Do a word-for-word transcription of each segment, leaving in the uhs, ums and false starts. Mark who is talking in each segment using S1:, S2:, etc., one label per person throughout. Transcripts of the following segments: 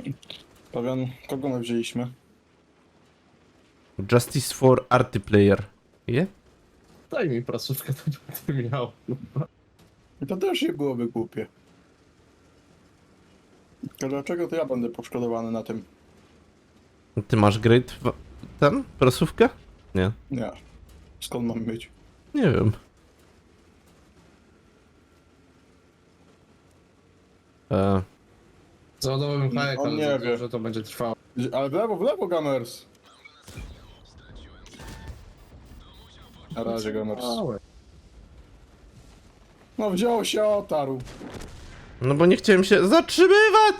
S1: Pawian, kogo my wzięliśmy?
S2: Justice for Arty Player. Je?
S3: Daj mi prasówkę, to będę miał.
S1: I to też nie byłoby głupie. To dlaczego to ja będę poszkodowany na tym?
S2: Ty masz great w... ten? Prasówkę? Nie.
S1: Nie. Skąd mam być?
S2: Nie wiem. E,
S3: Załadowałem hajek,
S1: On
S3: ale
S1: nie
S3: za
S1: wie.
S3: to, że to będzie trwało.
S1: Ale w lewo, w lewo, Gamers! Na razie, Gamers.
S3: Małe.
S1: No wziął się, otarł.
S2: no bo nie chciałem się zatrzymywać!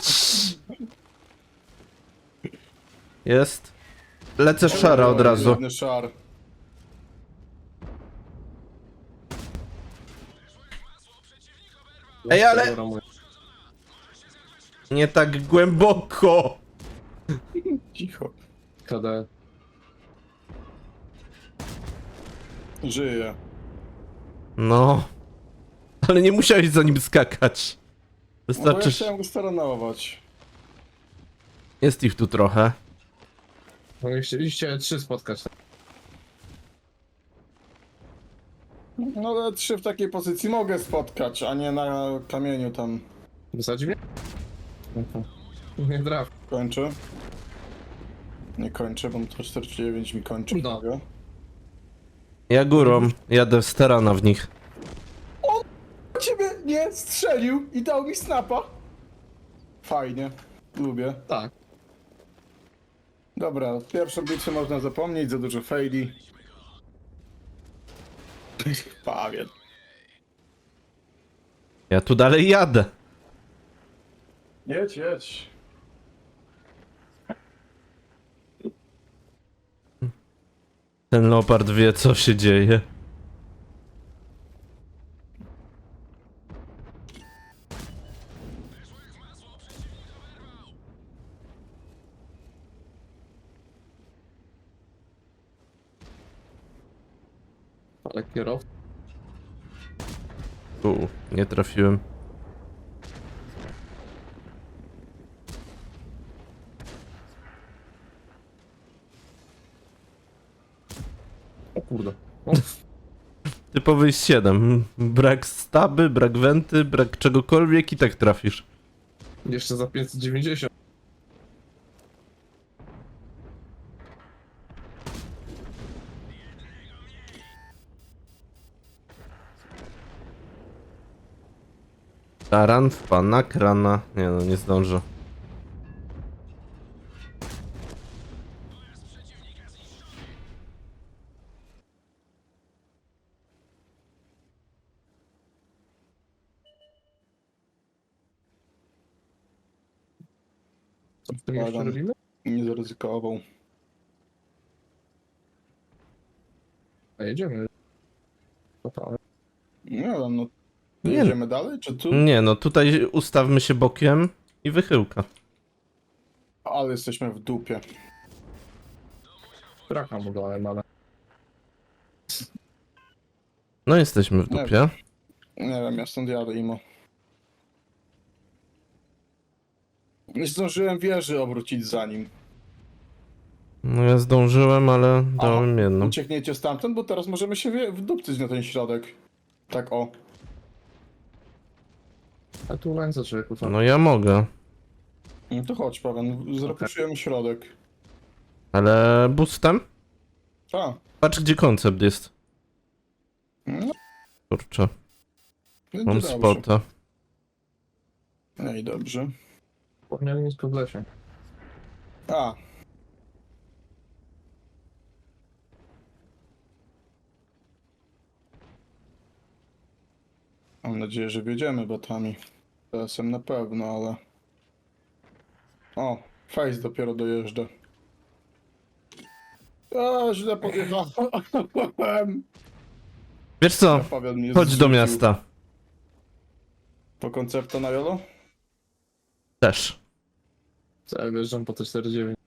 S2: Jest. Lecę szara od razu.
S1: Ładny szar.
S2: Ej, ale- Nie tak głęboko!
S1: Cicho.
S3: K D.
S1: Żyje.
S2: No. Ale nie musiałeś za nim skakać.
S1: No bo ja
S2: Wystarczy...
S1: chciałem go staranować.
S2: Jest ich tu trochę.
S3: No i chcieliście trzy spotkać.
S1: No ale trzy w takiej pozycji mogę spotkać, a nie na kamieniu tam.
S3: Wysadzi mnie? Nie traf.
S1: Kończę. Nie kończę, bo to czterdzieści dziewięć mi kończy.
S3: No.
S1: Mogę.
S2: Ja górą. Jadę w sterana w nich.
S1: Ciebie nie strzelił i dał mi snapa. Fajnie. Lubię.
S3: Tak.
S1: Dobra, pierwszą bitwę można zapomnieć, za dużo faili. Pawian.
S2: Ja tu dalej jadę.
S1: Jedź, jedź.
S2: Ten leopard wie, co się dzieje.
S3: Ale kierowca.
S2: U, nie trafiłem.
S3: O kurde. O,
S2: Typowy siedem. Brak staby, brak wenty, brak czegokolwiek i tak trafisz.
S3: jeszcze za pięćset dziewięćdziesiąt.
S2: Taran w pana krana. Nie no, nie zdążę.
S3: Co w tym jeszcze
S1: Adam.
S3: robimy?
S1: Nie zaryzykował.
S3: A jedziemy. Totalnie.
S1: Nie wiem, no.
S2: Nie.
S1: Jedziemy dalej, czy tu?
S2: Nie no, tutaj ustawmy się bokiem i wychyłka.
S1: Ale jesteśmy w dupie.
S3: Traka mu dałem, ale...
S2: No jesteśmy w
S1: Nie
S2: dupie.
S1: Nie wiem, ja stąd jadę, Imo. Nie zdążyłem wieży obrócić za nim.
S2: No ja zdążyłem, ale dałem jedną.
S1: Uciekniecie stamtąd, bo teraz możemy się wie- wdupcyć na ten środek. Tak o.
S3: A tu ręce człowieku, co?
S2: No ja mogę.
S1: No to chodź, Paweł, zrepuszujemy środek.
S2: Ale boostem?
S1: A,
S2: Patrz gdzie koncept jest.
S1: no,
S2: Kurczę,
S1: będzie
S2: mam
S1: dobrze.
S2: spota.
S1: No i dobrze.
S3: Wspomniałem nisko w lesie.
S1: A. Mam nadzieję, że wiedziemy botami. Czasem na pewno, ale... O, Face dopiero dojeżdża. A, źle podjechałem.
S2: Wiesz co?
S1: Paweł mnie
S2: Chodź do
S1: zrzucił.
S2: miasta.
S1: Po koncepto na Jolo?
S2: Też.
S3: Co ja wjeżdżam po te czterdzieści dziewięć.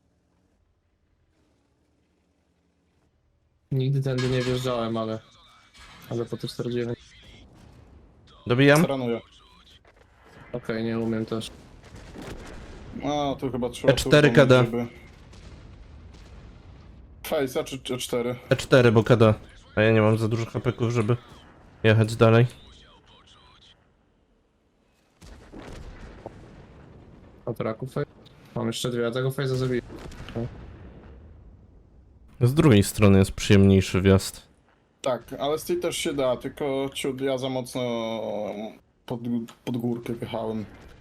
S3: Nigdy tędy nie wjeżdżałem, ale... Ale po te czterdzieści dziewięć.
S2: Dobijam?
S1: Staranuję.
S3: Okej, nie umiem też.
S1: A, tu chyba trzeba...
S2: E cztery
S1: tu
S2: K D.
S1: żeby... Face'a czy E cztery?
S2: E cztery, bo K D. A ja nie mam za dużo hapeków, żeby jechać dalej.
S3: Od raku fej. Mam jeszcze dwie, a tego fejza zabiję.
S2: Z drugiej strony jest przyjemniejszy wjazd.
S1: Tak, ale z tej też się da, tylko ciut, ja za mocno pod, pod górkę wjechałem.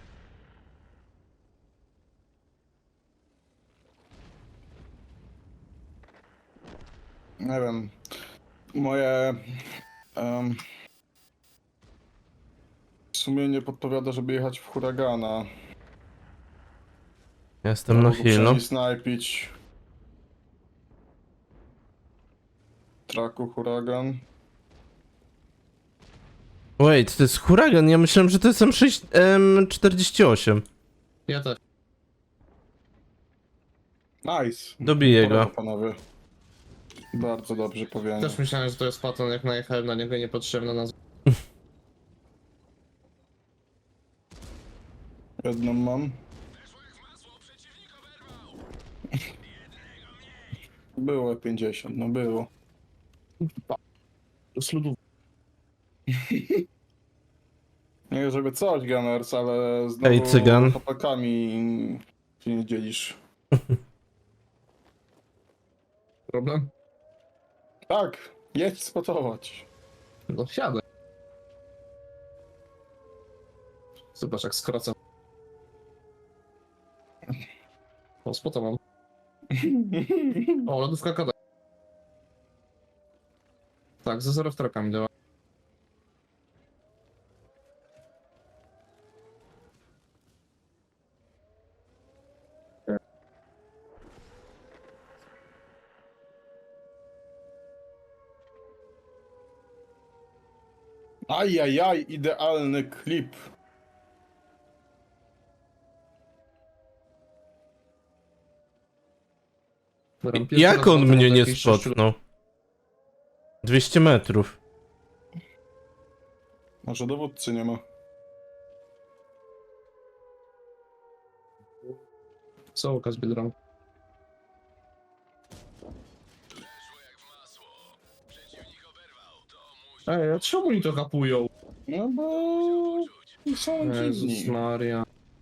S1: Nie wiem, moje um, sumienie podpowiada, żeby jechać w huragana.
S2: Ja jestem na
S1: Mogę
S2: heal, no.
S1: przynajmniej snajpić. Traku huragan.
S2: Wait, to jest huragan, ja myślałem, że to jest M sześć, M czterdzieści osiem.
S3: Ja też.
S1: Nice.
S2: Dobiję
S1: Brawo,
S2: go.
S1: panowie. Bardzo dobrze powiedziane.
S3: Też myślałem, że to jest paton, jak najechałem na niego niepotrzebna nazwa.
S1: Jedną mam. Było pięćdziesiąt, no było.
S3: Z ludów.
S1: Nie żeby coś, Gunners, ale znowu
S2: Ej, cygan.
S1: chłopakami się nie dzielisz.
S3: Problem?
S1: Tak, jedź spotować.
S3: No siadę. Zobacz jak skracam. O, spota mam. O, lodówka kada. Tak, ze zero trakami działa.
S1: Ajajaj, idealny klip.
S3: Dobra, pierwszy
S2: Jak
S3: raz
S2: on
S3: paton
S2: mnie
S3: od
S2: nie
S3: jakichś sześciu
S2: spotnął? dwieście metrów.
S1: Może dowódcy nie ma.
S3: lat. Co okaz Biedronka? Ej, a czemu oni to kapują?
S1: No bo... są
S3: Jezus
S1: dziwni.
S3: Maria.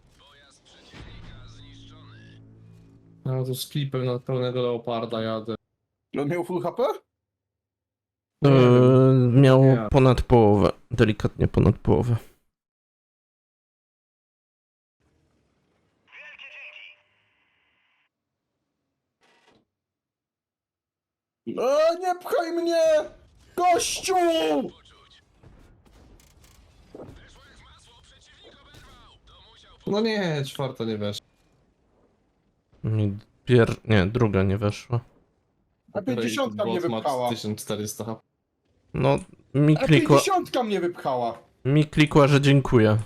S3: No to z klipem na pełnego leoparda jadę.
S1: On miał full H P?
S3: Nie
S2: Eee,
S3: wiem.
S2: miał
S3: Nie.
S2: ponad połowę. Delikatnie ponad połowę.
S1: E, nie pchaj mnie! Gościu!
S3: No nie, czwarta nie weszła.
S2: Mi pier... Nie, druga nie weszła.
S1: A pięćdziesiątka mnie
S3: Bot ma
S1: wypchała.
S3: tysiąc czterysta H P.
S2: No, mi
S1: A
S2: klikła...
S1: pięćdziesiątka mnie wypchała.
S2: Mi klikła, że dziękuję.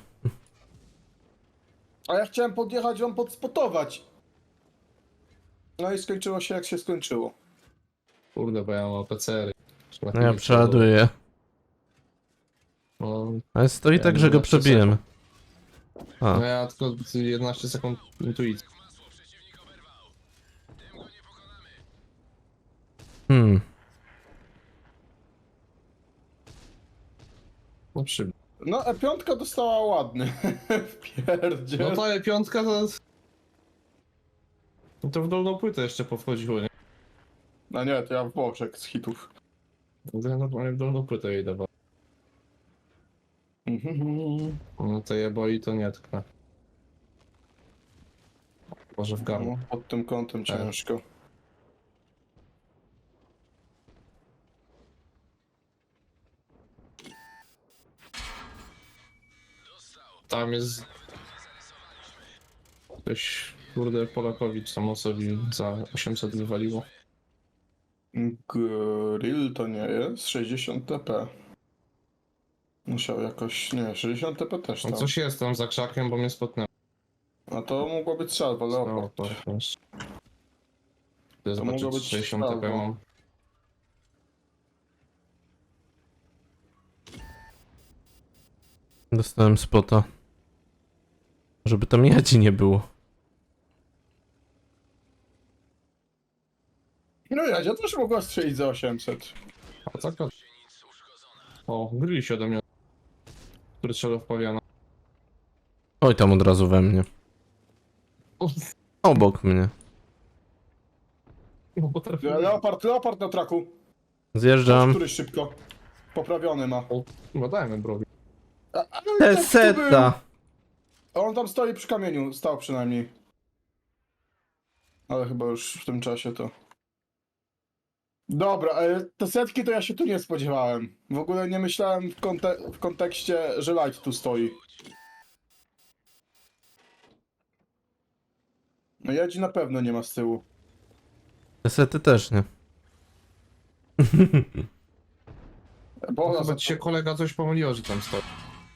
S1: A ja chciałem podjechać wam podspotować. No i skończyło się jak się skończyło.
S3: Kurde, bo ja mam P C R.
S2: No ja przeładuję.
S3: No,
S2: Ale stoi
S3: Ja
S2: tak, że go
S3: jedenaście
S2: przebijemy. A,
S3: no ja tylko jedenaście sekund intuicji.
S2: hmm.
S3: No przy...
S1: No E pięć dostała ładny. Wpierdzie.
S3: No ta piątka to... No to w dolną płytę jeszcze powchodziło, nie?
S1: No nie, to ja w boczek z hitów.
S3: To ja normalnie w dolną płytę jej dawałem.
S1: Mhm.
S3: No to je boi, to nie tknę. Może w garmu.
S1: No, pod tym kątem
S3: Tak.
S1: ciężko.
S3: Tam jest... Ktoś, kurde, Polakowicz samosowi za osiemset wywaliło.
S1: Grill to nie jest sześćdziesiąt T P. Musiał jakoś, nie, sześćdziesiąt T P też
S3: No
S1: tam.
S3: coś jest tam za krzakiem, bo mnie spotnęło.
S1: A to mogło być salwa, leopard.
S3: No, to też. Chcę
S1: mogło
S3: zobaczyć,
S1: być
S3: czy sześćdziesiąt T P
S1: albo-
S3: mam.
S2: Dostałem spota. Żeby tam jadzi nie było.
S1: No Jadzia też mogła strzelić za osiemset.
S3: A tak to... O, gryli się ode mnie. Który strzelał w pawiana.
S2: Oj, tam od razu we mnie.
S3: O,
S2: Obok mnie.
S3: no potrafiłem.
S1: Leopard, leopard na traku.
S2: Zjeżdżam.
S1: Który szybko. Poprawiony ma.
S3: O, chyba dajmy browi.
S1: A, a, no i tak tu
S2: Teseta!
S1: był. On tam stoi przy kamieniu, stał przynajmniej. Ale chyba już w tym czasie to... Dobra, ale te setki to ja się tu nie spodziewałem. W ogóle nie myślałem w, konte w kontekście, że Light tu stoi. No Jadzi na pewno nie ma z tyłu.
S2: Tesety też nie.
S1: Bo
S3: No, chyba ci się kolega coś pomyliło, że tam stoi.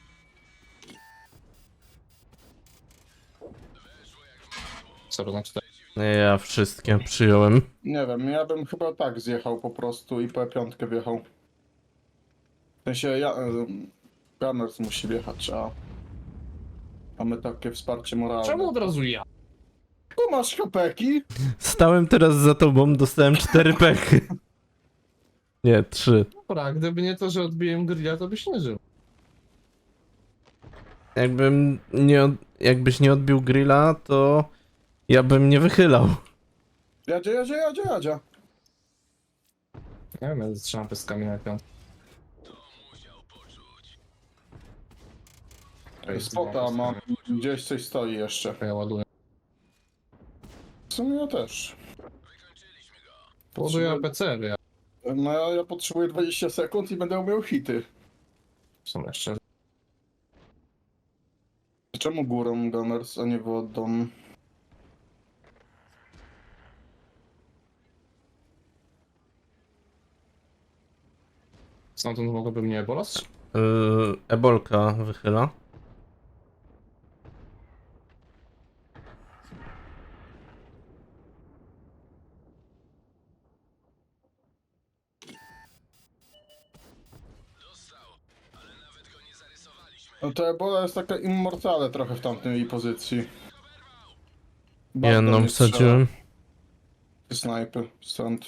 S3: Co to znaczy tak?
S2: Nie, ja wszystkie przyjąłem.
S1: Nie wiem, ja bym chyba tak zjechał po prostu i po piątkę wjechał. W sensie ja... em, Gunners musi wjechać, a... Mamy takie wsparcie moralne.
S3: Czemu od razu ja?
S1: Tu masz hapeki?
S2: Stałem teraz za tobą, dostałem cztery pechy. Nie, trzy.
S3: Dobra, gdyby nie to, że odbiłem grilla, to byś nie żył.
S2: Jakbym nie, od... jakbyś nie odbił grilla, to ja bym nie wychylał.
S1: Jadzie, jadzie, jadzie, jadzie.
S3: Nie wiem, ja strzelam peskami na piątkę.
S1: Spota mam. Gdzieś coś stoi jeszcze.
S3: Ja ładuję.
S1: W sumie ja też.
S3: Ładuję P C R, ja.
S1: No ja, ja potrzebuję dwadzieścia sekund i będę miał hity.
S3: W sumie szczerze.
S1: Czemu górą Gunners, a nie wodą?
S3: Stamtąd mogłoby mnie bolać?
S2: Yy, Ebolka wychyla.
S1: No to Ebola jest taka immortale trochę w tamtej pozycji.
S2: Jedną wsadziłem.
S1: Snajpy, stąd.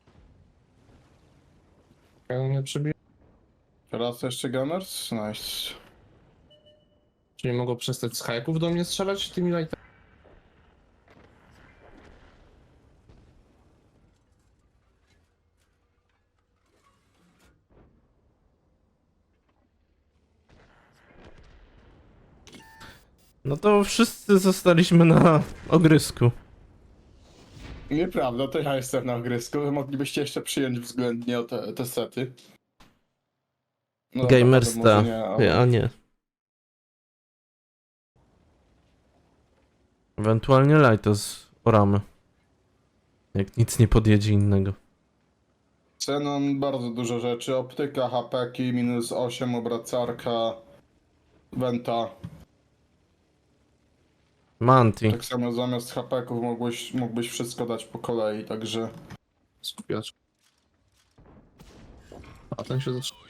S3: Ja nie przebiję.
S1: Teraz jeszcze Gunners? Nice.
S3: Czyli mogą przestać z hajków do mnie strzelać tymi lightami?
S2: No to wszyscy zostaliśmy na ogrysku.
S1: Nieprawda, to ja jestem na ogrysku. Wy moglibyście jeszcze przyjąć względnie o te, te sety. No, dobra,
S2: Gamersta.
S1: może nie, ale-
S2: A nie. Ewentualnie Lighta z oramy. Jak nic nie podjedzie innego.
S1: Xenon bardzo dużo rzeczy. Optyka, hapeki, minus osiem, obracarka, Venta.
S2: Manti.
S1: Tak samo zamiast hapeków mógłbyś, mógłbyś wszystko dać po kolei, także...
S3: Skupiacz. A ten się zaczyna.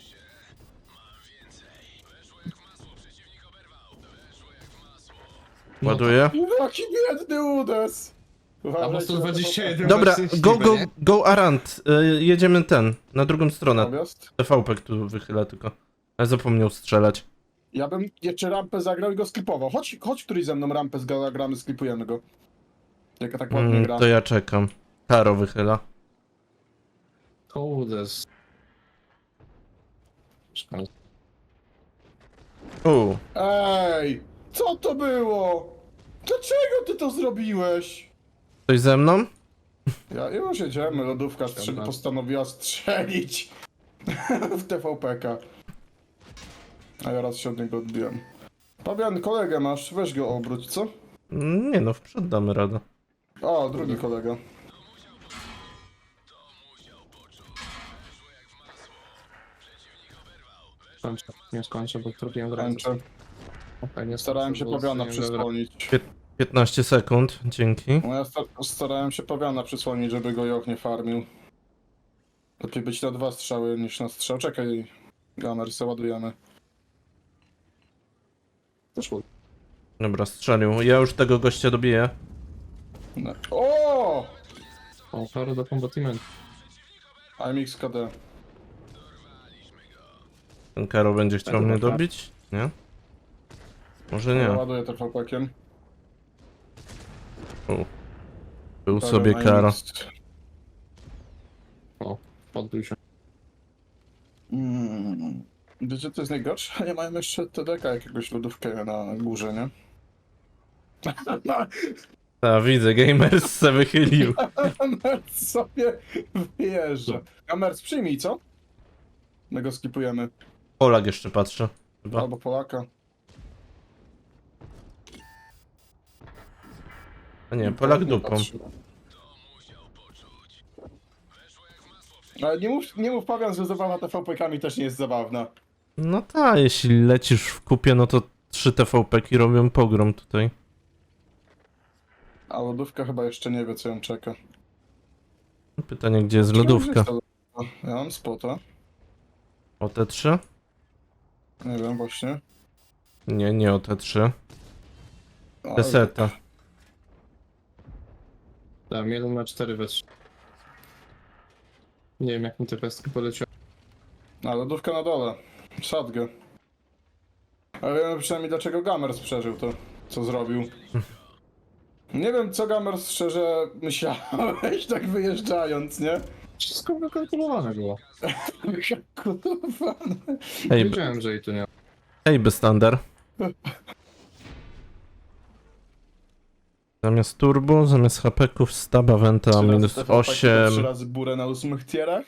S2: Ładuję.
S1: Jaki biedny udes!
S3: A
S1: Uważajcie
S3: po
S1: na
S3: sto dwadzieścia jeden
S2: Dobra,
S3: wersji
S2: go,
S3: Steam,
S2: go,
S3: nie?
S2: go Arant. Y, jedziemy ten, na drugą stronę.
S1: Objazd.
S2: T V P tu wychyla tylko. Ale zapomniał strzelać.
S1: Ja bym jeszcze rampę zagrał i go sklipował. Chodź, chodź któryś ze mną rampę zagramy, sklipujemy go. Jaka tak ładnie
S2: Mm,
S1: gra.
S2: to ja czekam. Karo wychyla.
S3: Kołdes.
S2: U,
S1: Ej! Co to było? Dlaczego ty to zrobiłeś?
S2: ktoś ze mną?
S1: Ja już jedziemy, lodówka strzy-
S3: Dobra.
S1: postanowiła strzelić w T V P K. A ja raz się od niego odbiłem. Fabian, kolegę masz, weź go obróć, co?
S2: Mm, Nie no, w przód damy radę.
S1: O, drugi kolega.
S3: Skończę. Nie skończę, bo trafiłem granic.
S1: Kończę.
S3: Okay,
S1: Starałem się Pawiana przysłonić.
S2: piętnaście sekund, dzięki.
S1: No ja sta starałem się Pawiana przysłonić, żeby go Joch nie farmił. Lepiej być na dwa strzały niż na strzał. Czekaj, Gunner, załadujemy.
S3: Poszło.
S2: Dobra, strzelił. Ja już tego gościa dobiję.
S1: No. O!
S3: O, karo do kombatiment.
S1: A M X K D.
S2: Ten Karo będzie chciał
S3: to
S2: mnie
S3: dobra.
S2: dobić? Nie? Może
S1: Ja
S2: nie.
S1: ładuję to chłopakiem.
S2: U. Był
S1: Dobra,
S2: sobie
S1: A M
S2: Karo.
S1: X.
S3: O, podbił się.
S1: Mm. Wiecie, to jest najgorsze? Nie mają jeszcze T D K jakiegoś lodówkę na górze, nie?
S2: A, widzę, Gamers se wychylił.
S1: Gamers sobie wyjeżdża. Gamers, przyjmij, co? My go skipujemy.
S2: Polak jeszcze patrzę. Chyba.
S1: Albo Polaka.
S2: A nie, Polak
S1: Nie
S2: dupą.
S1: patrzy. Ale nie mów, nie mów Pawian, że zabawa T V P-kami też nie jest zabawna.
S2: No tak, jeśli lecisz w kupie, no to trzy T V P-ki robią pogrom tutaj.
S1: A lodówka chyba jeszcze nie wie, co ją czeka.
S2: Pytanie, gdzie jest lodówka?
S1: Ja mam spota.
S2: O T trzy?
S1: Nie wiem właśnie.
S2: Nie, nie o T trzy.
S1: Ale-
S2: Peseta.
S3: Dałem jeden na cztery we trzy. Nie wiem jak mi te pestki poleciały.
S1: A lodówka na dole. Sadgę. Ale wiemy przynajmniej dlaczego Gamers przeżył to, co zrobił. Nie wiem co Gamers szczerze myślałeś tak wyjeżdżając, nie?
S3: Wszystko wykalkulowane było.
S1: Kurwa.
S2: Hej, b-
S3: Wiedziałem, że i tu nie.
S2: hej, Bystander. Zamiast turbo, zamiast hapeków, staba wenta
S1: Trzy razy
S2: minus
S1: T V P, to
S2: osiem.
S1: Trzy razy burę na ósmych tierach.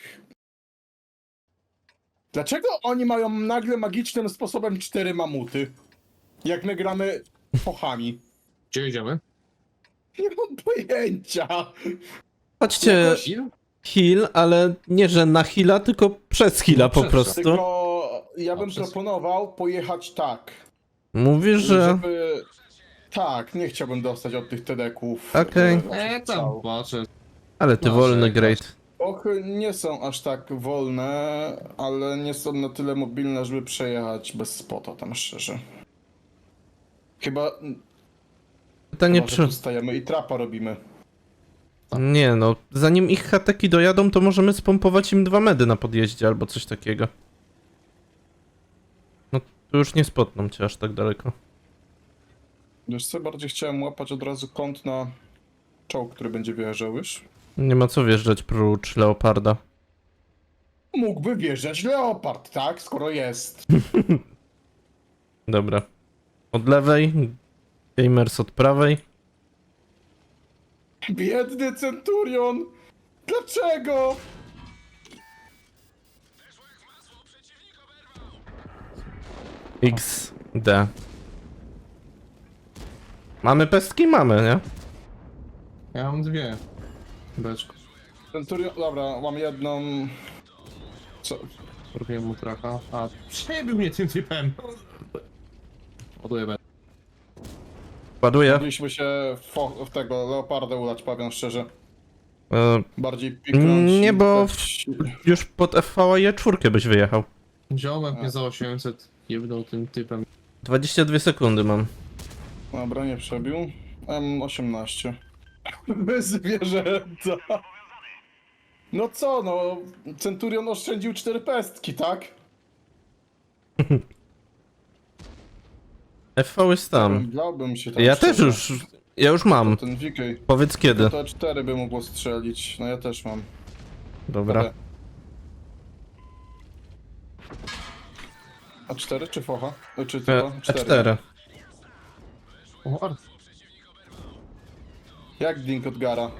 S1: Dlaczego oni mają nagle magicznym sposobem cztery mamuty? Jak my gramy fochami.
S3: Gdzie idziemy?
S1: Nie mam pojęcia.
S2: Chodźcie,
S1: Jakoś-
S2: heal, ale nie, że na heala, tylko przez heala po
S3: przez-
S2: prostu.
S1: Tylko ja bym
S3: A, przez-
S1: proponował pojechać tak.
S2: Mówisz, że...
S1: Żeby... Tak, nie chciałbym dostać od tych tedeków.
S2: Okej.
S1: e,
S3: Eee, tam
S1: strzał.
S3: patrzę.
S2: Ale ty
S3: No,
S2: wolny,
S3: że-
S2: great.
S1: Ochy nie są aż tak wolne, ale nie są na tyle mobilne, żeby przejechać bez spota tam szczerze. Chyba,
S2: Pytanie,
S1: chyba że
S2: czy...
S1: tu stajemy i trapa robimy.
S2: Nie no, zanim ich hateki dojadą, to możemy spompować im dwa medy na podjeździe albo coś takiego. No, tu już nie spotną cię aż tak daleko.
S1: Wiesz co, bardziej chciałem łapać od razu kąt na czołg, który będzie wjeżdżał już.
S2: Nie ma co wjeżdżać prócz Leoparda.
S1: Mógłby wjeżdżać Leopard, tak? Skoro jest.
S2: Dobra. Od lewej, Gamers od prawej.
S1: Biedny Centurion! Dlaczego?
S2: X D. Mamy pestki? Mamy, nie?
S3: Ja mam dwie. Beczko.
S1: Centurion, dobra, mam jedną... Co?
S3: Robiłem mu tracha. A, przebił mnie tym typem. Ładuję beczkę.
S2: Ładuję.
S1: Mogliśmy się w, fo- w tego Leoparda udać, powiem szczerze.
S2: E,
S1: Bardziej piknąć
S2: Nie,
S1: i
S2: bo
S1: dać-
S2: już pod F V A je czwórkę byś wyjechał.
S3: Wziąłem mnie za osiemset. Jebnął tym typem.
S2: dwadzieścia dwie sekundy mam.
S1: Dobra, nie przebił. M osiemnaście. Bez zwierzęta. No co, no... Centurion oszczędził cztery pestki, tak?
S2: F V jest tam.
S1: Dałbym się tam
S2: Ja też
S1: szczerze.
S2: już, ja już mam.
S1: Ten V K.
S2: Powiedz kiedy.
S1: To cztery by mogło strzelić. No ja też mam.
S2: Dobra.
S1: A cztery czy focha? E, Czy
S2: E,
S1: tylko?
S2: E cztery.
S3: O, Art.
S1: Jak Dink od Gara?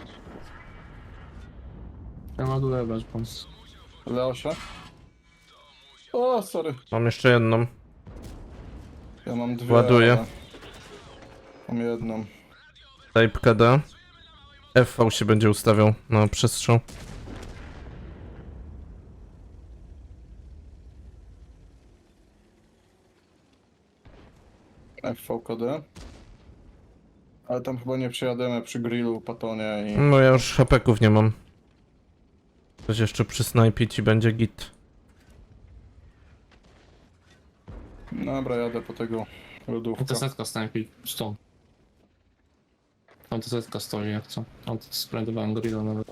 S3: Ja ładuję beczką.
S1: Leosia? O, sorry.
S2: Mam jeszcze jedną.
S1: Ja mam dwie.
S2: Ładuję.
S1: ale Mam jedną.
S2: Type K D. F V się będzie ustawiał na przestrzał.
S1: F V K D. Ale tam chyba nie przejadziemy przy grillu, patonie i...
S2: No ja już hapeków nie mam. Coś jeszcze przy snajpić i będzie git.
S1: Dobra, jadę po tego
S3: Ta
S1: lodówka.
S3: setka snajpi stąd. Tam to zetka stoi jak co. Tam to splendowałem grilla nawet.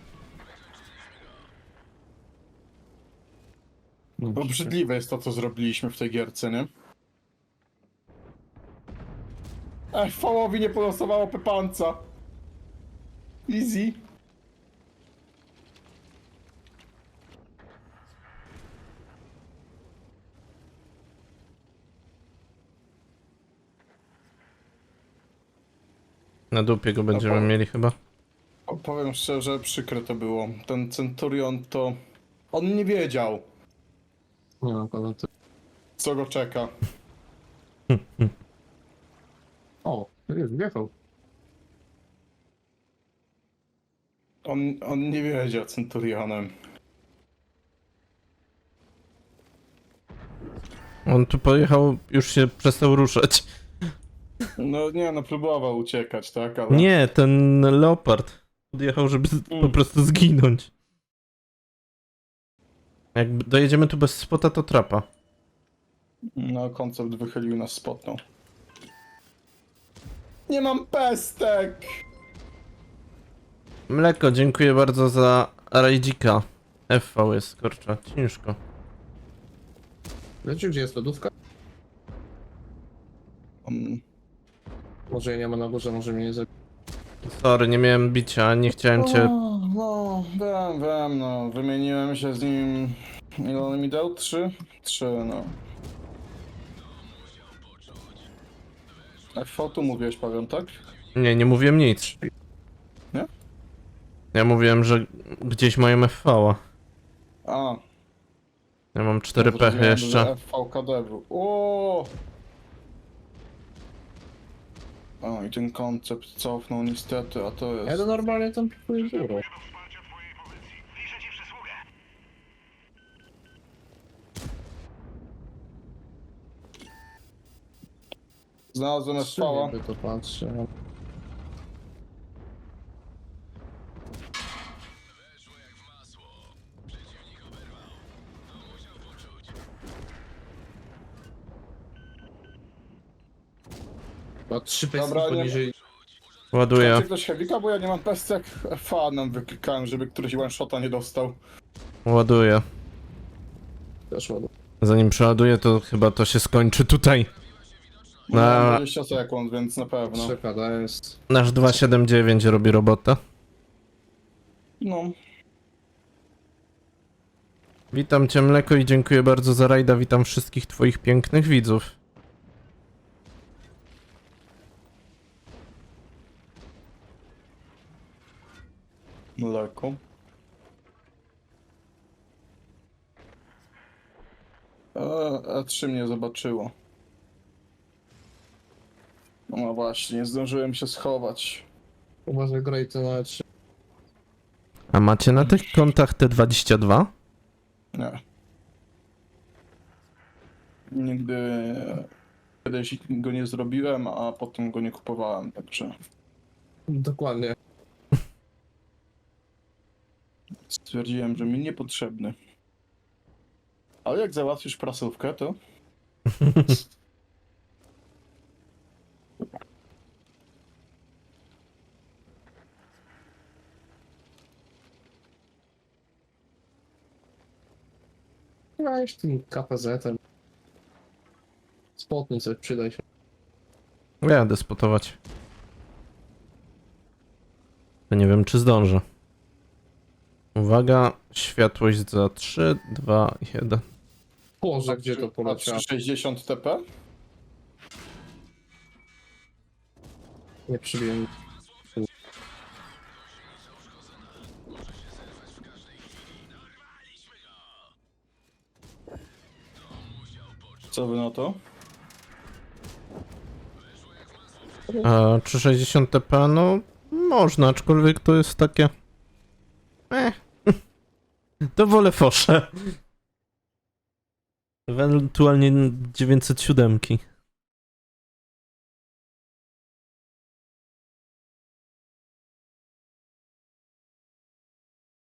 S3: No,
S1: Obrzydliwe jest to, co zrobiliśmy w tej gierce, nie? Ej, Fałowi nie polosowało Pepanca. Easy.
S2: Na dupie go będziemy
S1: Dobra.
S2: mieli chyba.
S1: O, powiem szczerze, przykre to było. Ten Centurion to... On nie wiedział,
S3: Nie no, ale to...
S1: co go czeka.
S3: O, już wjechał.
S1: On, on nie wiedział Centurionem.
S2: On tu pojechał, już się przestał ruszać.
S1: No nie, no próbował uciekać, tak? Ale...
S2: Nie, ten Leopard podjechał, żeby z- po
S1: Mm.
S2: prostu zginąć. Jak dojedziemy tu bez spota, to trapa.
S1: No, koncept wychylił nas spotną. Nie mam pestek!
S2: Mleko, dziękuję bardzo za rajdzika. F V jest, kurczę, ciężko.
S3: Wiecie, gdzie jest lodówka?
S1: Um,
S3: Może jej nie ma na górze, może mnie nie zabić.
S2: Sorry, nie miałem bicia, nie chciałem cię...
S1: O, no, wiem, wiem, no. Wymieniłem się z nim... Ile on mi dał? Trzy? Trzy, no. F V tu mówiłeś, Paweł, tak?
S2: Nie, nie mówiłem nic.
S1: Nie?
S2: Ja mówiłem, że gdzieś mają F V-a.
S1: A.
S2: Ja mam cztery
S1: ja
S2: pechy
S1: zrozumiałem, że
S2: jeszcze.
S1: F V K D był. O! O, i ten koncept cofnął niestety, a to
S3: Ja
S1: jest...
S3: to normalnie tam pikuję biuro.
S1: Znalazłem F V-a.
S3: By to patrzę. Chyba trzy pesy
S1: Dobra, nie-
S3: poniżej.
S2: Ładuję.
S1: Czy ktoś heavika, bo ja nie mam pestek. F A nam wyklikałem, żeby któryś one-shota nie dostał.
S2: Ładuję.
S3: Też ładnie.
S2: Zanim przeładuję, to chyba to się skończy tutaj.
S1: No,
S2: Na-
S1: mam dwadzieścia sekund, więc na pewno.
S3: trzy K D jest.
S2: Nasz dwieście siedemdziesiąt dziewięć robi robotę.
S1: No.
S2: Witam cię, Mleko, i dziękuję bardzo za rajda. Witam wszystkich twoich pięknych widzów.
S1: Mleko. E, E trzy mnie zobaczyło. No właśnie, nie zdążyłem się schować.
S3: Uważaj, graj to na trzy.
S2: A macie na tych kontach T dwadzieścia dwa?
S1: Nie. Nigdy kiedyś go nie zrobiłem, a potem go nie kupowałem, także
S3: Dokładnie.
S1: stwierdziłem, że mi niepotrzebny. Ale jak załatwisz prasówkę, to...
S3: Grałeś tym K P Z-em. Spotnij coś, przydaj się.
S2: Jadę spotować. To nie wiem, czy zdążę. Uwaga, światłość za trzy, dwa, jeden.
S3: Boże, gdzie to poleciało?
S1: trzysta sześćdziesiąt T P?
S3: Nie przybiłem.
S1: Co wy na to?
S2: A trzysta sześćdziesiąt T P, no można, aczkolwiek to jest takie... Eh. To wolę fosze. Ewentualnie dziewięćset siedem.